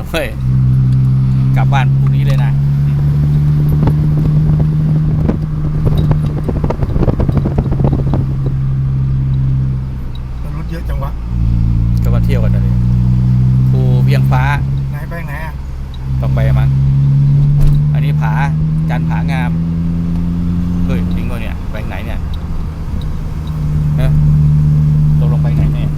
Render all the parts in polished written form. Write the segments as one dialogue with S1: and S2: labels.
S1: เฮ้ยกลับบ้านพรุ่งนี้เลยนะ
S2: รถเยอะจังวะ
S1: ก็มาเที่ยวกันเลยภูเวียงฟ้า
S2: ไหนไปไหนอ่ะ
S1: ต้องไปมั้งอันนี้ผาจันผางามเฮ้ยจริงป่ะเนี่ยไปไหนเนี่ยตกลงไปไหนเนี่ย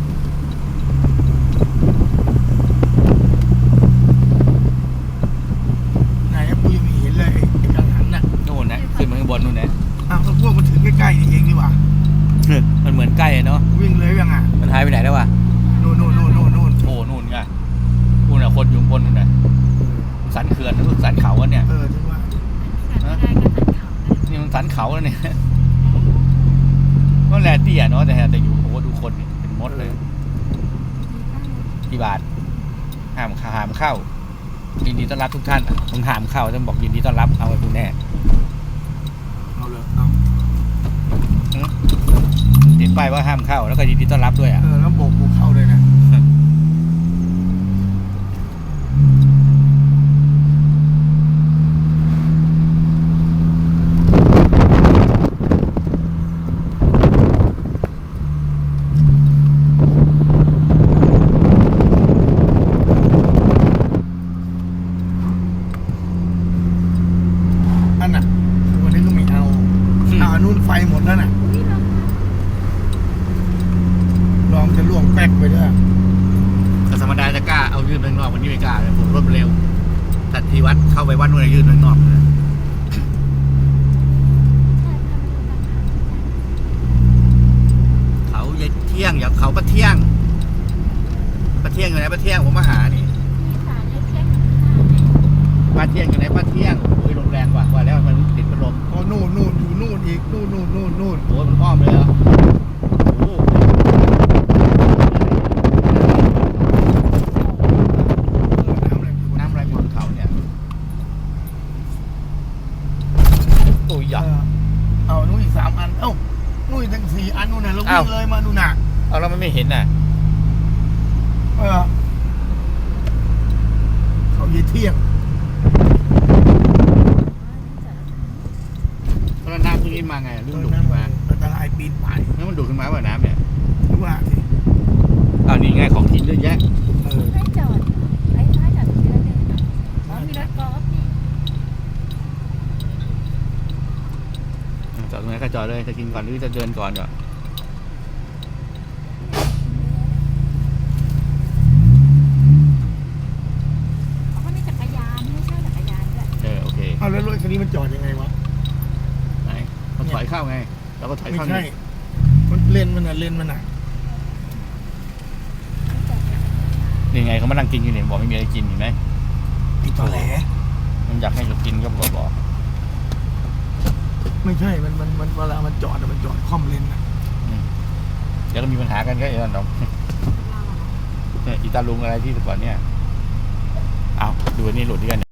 S2: ไหนกูยังไม่เห็นเลยไอ้กังหันน่ะ
S1: นู่นนะขึ้นมาข้างบนนู่นนะ
S2: อ้าวพวกมันถึงใกล้ๆนี่เองดีกว่า
S1: มันเหมือนใกล้เนาะ
S2: วิ่งเลยยังอ่ะ
S1: มันหายไปไหนแล้ววะ
S2: นู่นโอ้
S1: นู่นไงนู่นน่ะคนอยู่บนนู่นน่ะสันเขื่อนนู่นสันเขาเนี่ย
S2: ถึงว่า
S1: นี่มันสันเขาแล้วเนี่ยก็แลเตี้ยเนาะแต่อยู่โอ้ดูคนเป็นมดเลยกี่บาทห้ามเข้ายินดีต้อนรับทุกท่านต้องห้ามเข้าต้องบอกยินดีต้อนรับเอาไปคุณแน่
S2: เอาเลยเอา
S1: ติดป้ายว่าห้ามเข้าแล้วก็ยินดีต้อนรับด้วย
S2: แล้วโบกกูเข้าเลยนะนู่นไฟหมดแล้วน่ะลองจะล่วงแป๊กไปด้วย
S1: แต่ธรรมดาจะกล้าเอายืนไปข้างนอกวันนี้ไม่กล้าเลยผมรถเร็วแต่ที่วัดเข้าไปวัดนู่นยืนไปข้างนอกเลยเขาเย็ดเที่ยงอย่างเขาปะเที่ยงอยู่ไหนปะเที่ยงผมมาหานี่ปะเที่ยงอยู่ไหนปะเที่ยงคุยลมแรงกว่าแล้วมันติดพัดลม
S2: โอ้นู่นอยู่นู่นอีกนู่น
S1: โอ้มันอ้อมเลยเหรอโอ้น้ำอะไรบนเขาเนี่ยโอ้ยอ่ะ
S2: เอานู่นอีก3 อันนู่นอีกตั้ง4 อันนู่นน่ะเราวิ่งเลยมาดูน่ะ
S1: เอาแล้วมันไม่เห็นน่ะ
S2: เขาเยี่ยเที่ยง
S1: แล้วน้ำขึ้นมาไงลื่นดูดขึ้นมา
S2: อันตรายปีนป่าย
S1: แล้วมันดูดขึ้นมาว่าน้ำเนี่ย
S2: ว่าสิ
S1: นี่ไงของกินเยอะแยะ
S3: ไม่จอดไอ้ท้ายจอดที่ระเดินมีรถกอล์ฟ
S1: นี่จอดตรงไหนก็จอดเลยจะกินก่อนหรือจะเดินก่อนก่อน
S3: เขามีจักรยานไม่ใช่จักรยานด้วย
S1: โอเค
S2: เอาแล้วรถคันนี้มันจอดยังไงวะ
S1: ไหนมันถอยเข้าไงแล้วก็ถอยเข้า
S2: ไม่ใช่มันเลนมันอ่ะ
S1: นี่ไงเขามานั่งกินอยู่เนี่ยบอกไม่มีอะไรกินเห็นไหม
S2: ติดต่อแหล
S1: มันอยากให้เรากินก็บอก
S2: ไม่ใช่มันเวลามันจอดคล่อมเลนนะ
S1: เดี๋ยวก็มีปัญหากันก็อย่างนั้นน้องอีตาลุงอะไรที่แต่ก่อนเนี่ยเอาดูนี่หลุดด้วยกัน